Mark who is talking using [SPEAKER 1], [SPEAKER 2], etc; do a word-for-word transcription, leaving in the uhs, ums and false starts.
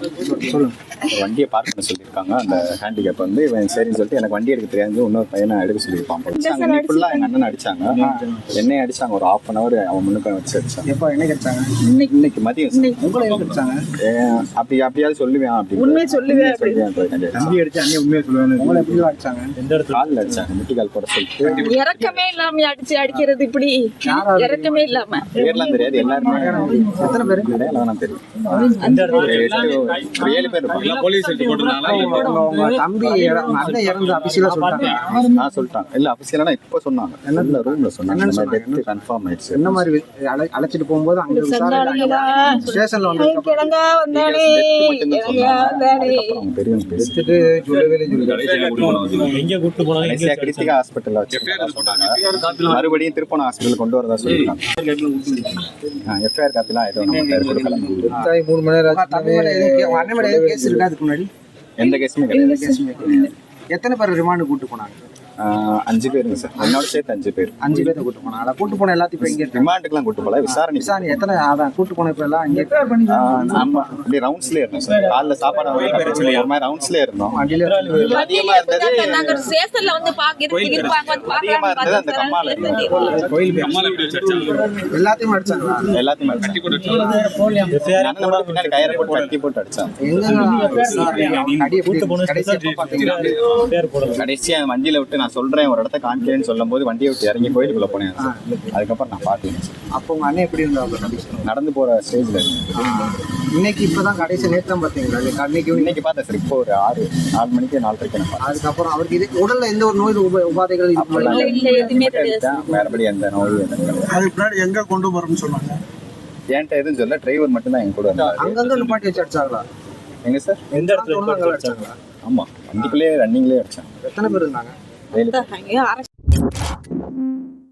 [SPEAKER 1] சொல்லுங்க.
[SPEAKER 2] வண்டியை பார்க் பண்ண சொல்லியிருக்காங்க. அந்த ஹேண்டிகேப் வந்து இவன் சரின்னு சொல்லிட்டு எனக்கு வண்டி எடுக்க தெரியாது, இன்னொரு பையனை எடுக்க சொல்லியிருப்பான். அடிச்சாங்க நீ ஃபுல்லாக எங்கள் அண்ணன் அடிச்சாங்க, என்னையும் அடிச்சாங்க. ஒரு ஹாஃப் அன் அவர் அவன் முன்னுக்கு வச்சு அடிச்சாங்க.
[SPEAKER 1] எப்போ என்னைக்கு அடிச்சாங்க?
[SPEAKER 2] இன்னைக்கு மதியம்
[SPEAKER 1] உங்களை எப்படி அடிச்சாங்க?
[SPEAKER 2] அப்படி அப்படியாவது சொல்லுவேன் அப்படி
[SPEAKER 3] உண்மையை சொல்லுவேன்.
[SPEAKER 1] தம்பி அடிச்சு அண்ணன் உண்மையை சொல்லுவேன். உங்களை எப்படி அடிச்சாங்க?
[SPEAKER 2] எந்த இடத்துல? காலில் அடிச்சாங்க, முட்டி கால் போட சொல்லிட்டு.
[SPEAKER 3] இறக்கமே இல்லாம அடிச்சு அடிக்கிறது இப்படி இறக்கமே இல்லாம.
[SPEAKER 2] பேர்லாம் தெரியாது, எல்லாருமே
[SPEAKER 1] எத்தனை பேர்
[SPEAKER 2] எல்லாம் தெரியும். ஏழு பேர் இருப்பாங்க.
[SPEAKER 4] போலீஸ்
[SPEAKER 1] தம்பி அண்ணன் இறந்து அபிஷியலா சொல்லிட்டாங்க.
[SPEAKER 2] நான் சொல்லிட்டாங்க இல்ல அபிஷியலா இப்ப சொன்னாங்க, என்ன ரூம்ல சொன்னாங்க டெத் கன்ஃபார்ம் ஆயிடுச்சு.
[SPEAKER 1] என்ன மாதிரி அழை- அழைச்சிட்டு போகும்போது அங்க விசாரணை ஸ்டேஷன்ல வந்து
[SPEAKER 3] கிழங்கா வந்தானே கிழங்கா வந்தானே.
[SPEAKER 2] பெரியவங்க
[SPEAKER 1] எடுத்துட்டு சொல்லவே
[SPEAKER 4] எங்க கூட்டு போனாங்க?
[SPEAKER 2] கடைசியா கிருத்திகா ஹாஸ்பிட்டல்ல வச்சு சொன்னாங்க. மறுபடியும் திருப்பணம் ஹாஸ்பிட்டல் கொண்டு வரதா சொல்லிருக்காங்க. எஃப்ஐஆர் காப்பிலாம் எதுவும் நம்ம கொடுக்கல.
[SPEAKER 1] மூணு மணி நேரம் தம்பி மேல எதுவும் கே- அண்ணன் மேல எதுவும் கேஸ் இருக்கா? அதுக்கு முன்னாடி
[SPEAKER 2] எந்த கேஸுமே கிடையாது.
[SPEAKER 1] கேஸுமே கிடையாது. எத்தனை பேர் ரிமாண்டு கூட்டு போனாங்க?
[SPEAKER 2] ஆஹ் அஞ்சு பேருங்க சார், என்னோட சேர்த்து அஞ்சு பேர்.
[SPEAKER 1] அஞ்சு பேர்த்த கூட்டு போனாங்க. அதை கூட்டு போன எல்லாத்தையும் இப்ப இங்க
[SPEAKER 2] ரிமாண்டுக்குலாம் கூட்டு போல, விசாரணை.
[SPEAKER 1] விசாரணை எத்தனை அதான் கூட்டு போன இப்ப எல்லாம் இங்க
[SPEAKER 2] ஆஹ் நம்ம அப்படியே ரவுண்ட்ஸ்லயே இருந்தோம் சார். காலைல சாப்பாடு ஒரு மாதிரி ரவுண்ட்ஸ்லயே இருந்தோம்.
[SPEAKER 1] வண்டியில
[SPEAKER 2] அதிகமா இருந்தது
[SPEAKER 3] நாங்க ஸ்டேஷன்ல வந்து பாக்க இருப்பாங்க வந்து
[SPEAKER 2] அதிகமா இருந்தது அந்த கம்மால
[SPEAKER 3] பாக்கலாம்.
[SPEAKER 1] கோயில் எல்லாத்தையும் அடிச்சாங்களா?
[SPEAKER 2] எல்லாத்தையுமே கட்டி போட்டு பின்னாடி கயிறை போட்டு கட்டி போட்டு அடிச்சாங்க.
[SPEAKER 1] எங்க அடி எப்படி கடைசி எப்ப பாத்தீங்களா?
[SPEAKER 2] கடைசியா வண்டியில விட்டு நான் சொல்றேன் ஒரு இடத்த காமிக்கிறேன்னு சொல்லும் போது வண்டியை விட்டு இறங்கி கோயிலுக்குள்ள போனேன் சார். அதுக்கப்புறம் நான் பாத்தேன்.
[SPEAKER 1] அப்போ உங்க அண்ணன் எப்படி இருந்தாங்க?
[SPEAKER 2] நடந்து போற ஸ்டேஜ்ல
[SPEAKER 1] இன்னைக்கு இப்பதான் கடைசி நேரம் பாத்தீங்களா? இன்னைக்கு
[SPEAKER 2] இன்னைக்கு பார்த்தேன் சார். இப்போ ஒரு ஆறு நாலு மணிக்கு நாலரைக்கு நான் பார்த்தேன்.
[SPEAKER 1] அதுக்கப்புறம் அவருக்கு இது உடல்ல எந்த ஒரு நோய் உப- உபாதைகள் இருக்குமா?
[SPEAKER 3] இல்ல இல்ல எதுவுமே தெரியாது.
[SPEAKER 2] வேறபடி அந்த நோய் எதுவும்
[SPEAKER 5] அதுக்கு முன்னாடி எங்க கொண்டு போறோம்னு சொன்னாங்க.
[SPEAKER 2] என்கிட்ட எதுவும் சொல்ல, டிரைவர் மட்டும் தான் என் கூட இருந்தாரு.
[SPEAKER 1] அங்கங்க நிப்பாட்டி வச்சு அடிச்சாங்களா?
[SPEAKER 2] எங்க சார்?
[SPEAKER 4] எந்த இடத்துல
[SPEAKER 1] அங்க அடிச்சாங்களா?
[SPEAKER 2] ஆமா, வண்டிக்குள்ளேயே ரன்னிங்லேயே அடிச்சாங்க.
[SPEAKER 1] எத்தனை பேர் இருந்தாங்க?
[SPEAKER 2] வேலு
[SPEAKER 3] அங்கே அரசு